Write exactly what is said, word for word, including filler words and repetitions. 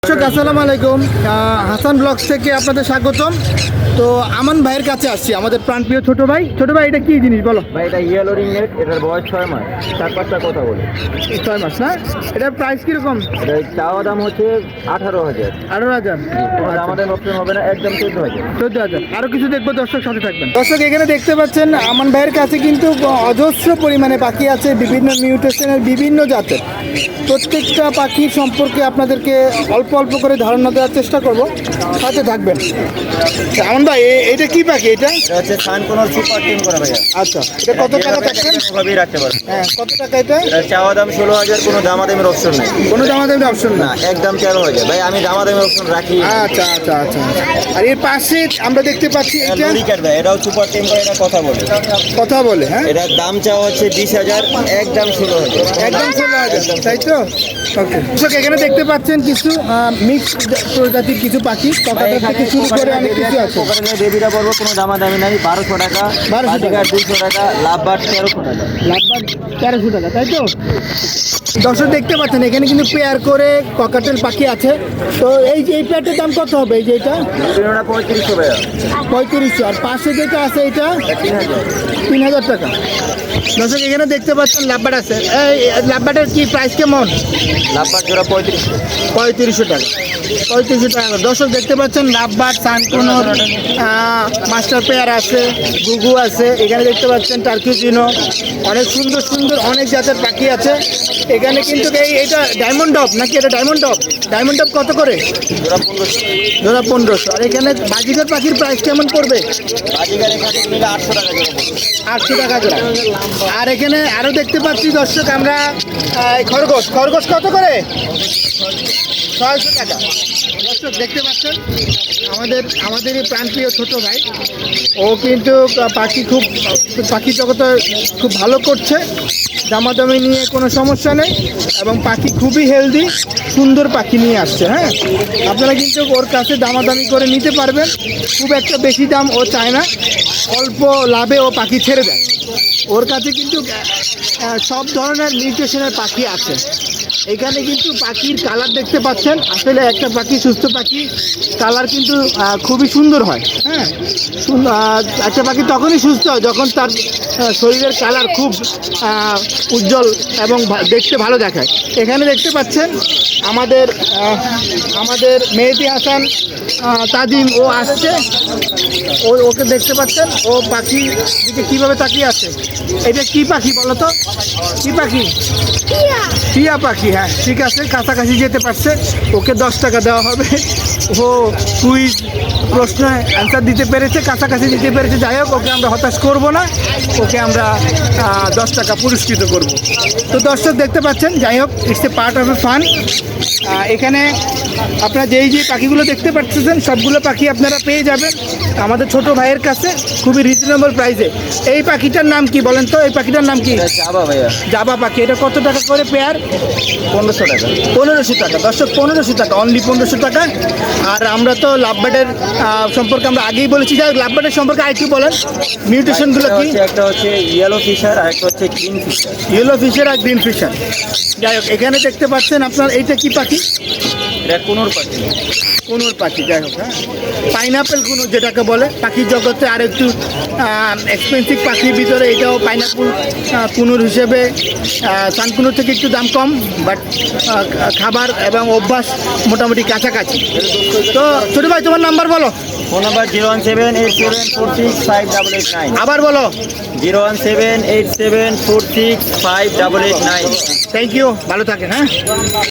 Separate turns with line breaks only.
দর্শক আসসালামু আলাইকুম, হাসান ব্লগস থেকে আপনাদের স্বাগতম। তো আমান ভাইয়ের কাছে আসছি, আমাদের প্রাণপ্রিয় ছোট ভাই। ছোট ভাই, এটা কি জিনিস বলো?
ভাই এটা ইয়েলো রিংনেট, এটার বয়স ছয় মাস। চার পাঁচটা কথা বলে
ছয় মাস না? এটার প্রাইস কিরকম?
এটা চাওয়া দাম হচ্ছে আঠারো হাজার।
আঠারো হাজার
আমাদের অপশন হবে না, একদম চোদ্দ হাজার।
চোদ্দ হাজার আরো কিছু দেখবো, দর্শক সাথে থাকবেন। দর্শক এখানে দেখতে পাচ্ছেন আমান ভাইয়ের কাছে কিন্তু অজস্র পরিমাণে পাখি আছে, বিভিন্ন মিউটেশনের, বিভিন্ন জাতের। প্রত্যেকটা পাখির সম্পর্কে আপনাদেরকে অল্প অল্প করে ধারণা দেওয়ার চেষ্টা করব, সাথে থাকবেন। আমান ভাই, এ- এটা কি পাখি? এটা
এটা হচ্ছে সান কোনোর সুপার টিম করা ভাইয়া।
আচ্ছা, এটা কত টাকা থাকবেন?
ভাবেই রাখতে পারবে।
হ্যাঁ, কত টাকা এটা?
এটা চাওয়া দাম ষোলো হাজার, কোনো দামাদামের অপশন নেই।
কোনো দামাদামি অপশন না?
না, একদম তেরো হাজার। ভাই আমি দামাদামের অপশন রাখি।
আচ্ছা আচ্ছা আচ্ছা। আর এর পাশে আমরা দেখতে পাচ্ছি এটা
লরিকাট ভাই, এটাও সুপার টিম করে, এটা কথা বলে।
কথা বলে। হ্যাঁ,
এটার দাম চাওয়া হচ্ছে বিশ হাজার, একদম ষোলো হাজার।
একদম ষোলো হাজার, তাই তো? ওকে। দর্শক এখানে দেখতে পাচ্ছেন কিছু মিক্সড প্রজাতির কিছু পাখি, ককাটেল থেকে শুরু করে অনেক কিছু আছে।
বেবিরা বলবো কোনো দামাদামি নাই, বারোশো টাকা,
বারোশো টাকা।
দুইশো টাকা, লাভবার তেরোশো টাকা।
লাভবাদ তেরোশো টাকা, তাই তো? দর্শক দেখতে পাচ্ছেন এখানে কিন্তু পেয়ার করে ককাটেল পাখি আছে। তো এই যে এই পেয়ারটার দাম কত হবে? এই যে এটা
বেবিরা পঁয়ত্রিশশো ভাইয়া।
পঁয়ত্রিশশো, আর পাশে যেটা আছে এটা
তিন হাজার।
তিন হাজার টাকা। দর্শক এখানে দেখতে পাচ্ছেন লাভবাট আছে। এই লাভবাটের কি প্রাইস কেমন?
লাভবার জোড়া পঁয়ত্রিশশো।
পঁয়ত্রিশশো টাকা, পঁয়ত্রিশশো টাকা। দর্শক দেখতে পাচ্ছেন লাভবাট, সানকুনোর, মাস্টার পেয়ার আছে, গুগু আছে। এখানে দেখতে পাচ্ছেন টার্কিউজিনো, অনেক সুন্দর সুন্দর অনেক জাতের পাখি আছে এখানে। কিন্তু এই এটা ডায়মন্ড ডব নাকি? এটা ডায়মন্ড ডব। ডায়মন্ড ডব কত করে?
জোড়া পনেরোশো।
ধরা পনেরোশো। আর এখানে বাজিকার পাখির প্রাইস কেমন পড়বে?
বাজিকার এখানে নিলে আটশো টাকা জোড়া পড়বে।
আটশো টাকা জোড়া। আর এখানে আরও দেখতে পাচ্ছি দর্শক আমরা আহ, খরগোশ। খরগোশ কত করে? ছয়শো টাকা। দর্শক দেখতে পাচ্ছেন আমাদের আমাদের এই প্রাণপ্রিয় ছোট ভাই, ও কিন্তু পাখি খুব পাখি জগতে খুব ভালো করছে। দামাদামি নিয়ে কোনো সমস্যা নেই, এবং পাখি খুবই হেলদি, সুন্দর পাখি নিয়ে আসছে। হ্যাঁ, আপনারা কিন্তু ওর কাছে দামাদামি করে নিতে পারবেন। খুব একটা বেশি দাম ও চায় না, অল্প লাভে ও পাখি ছেড়ে দেয়। ওর কাছে কিন্তু আহ, সব ধরনের মিউটেশনের পাখি আছে। এখানে কিন্তু পাখির কালার দেখতে পাচ্ছেন, আসলে একটা পাখি, সুস্থ পাখি কালার কিন্তু আহ, খুবই সুন্দর হয়। হ্যাঁ, সুন্দর। আহ, একটা পাখি তখনই সুস্থ হয় যখন তার আহ, শরীরের কালার খুব আহ, উজ্জ্বল এবং ভা- দেখতে ভালো দেখায়। এখানে দেখতে পাচ্ছেন আমাদের আহ, আমাদের মেহেদি হাসান আহ, তাজিম, ও আসছে। ও ওকে দেখতে পাচ্ছেন, ও পাখি দিকে কীভাবে তাকিয়ে আছে। এটা কি পাখি বলো তো? কি পাখি? টিয়া পাখি। হ্যাঁ, ঠিক আছে, কাছাকাছি যেতে পারছে। ওকে দশ টাকা দেওয়া হবে। ও কুইজ প্রশ্ন অ্যান্সার দিতে পেরেছে, কাছাকাছি দিতে পেরেছে। যাই হোক, ওকে আমরা হতাশ করব না, ওকে আমরা আহ, দশ টাকা পুরস্কৃত করব। তো দর্শক দেখতে পাচ্ছেন, যাই হোক, it's a part of a fun. এখানে আপনারা যেই যে পাখিগুলো দেখতে পাচ্ছেন, সবগুলো পাখি আপনারা পেয়ে যাবেন আমাদের ছোট ভাইয়ের কাছে খুবই রিজনেবল প্রাইসে। এই পাখিটার নাম কি বলেন তো? এই পাখিটার নাম কি?
এটা যাবা ভাইয়া,
জাবা পাখি। এটা কত টাকা করে পেয়ার?
পনেরোশো টাকা।
পনেরোশো টাকা। দর্শক পনেরোশো টাকা, অনলি পনেরোশো টাকা। আর আমরা তো লাভবার্ডের আহ, সম্পর্কে আমরা আগেই বলেছি। যাই হোক, লাভবার্ডের সম্পর্কে আরেকটু বলেন, মিউটেশনগুলো
এটা
কি?
হচ্ছে- একটা হচ্ছে ইয়েলো ফিশার, আর একটা হচ্ছে গ্রিন ফিশার।
ইয়েলো ফিশার আর গ্রিন ফিশার। যাই হোক, এখানে দেখতে পাচ্ছেন আপনার, এইটা কি পাখি?
এটা কোনোর পাখি।
কুনুর পাখি। যাই হোক, হ্যাঁ, পাইনাপেল কুনুর যেটাকে বলে পাখির জগতে আর একটু এক্সপেন্সিভ পাখির ভিতরে এটাও পাইনাপেল কুনুর হিসেবে সানকুনুর থেকে একটু দাম কম, বাট খাবার এবং অভ্যাস মোটামুটি কাছাকাছি। তো ছোটো ভাই, তোমার নাম্বার বলো।
Phone number zero one seven eight seven four six five double eight nine.
আবার বলো।
Zero one seven eight seven four six five double eight nine.
Thank you, ভালো থাকেন। হ্যাঁ।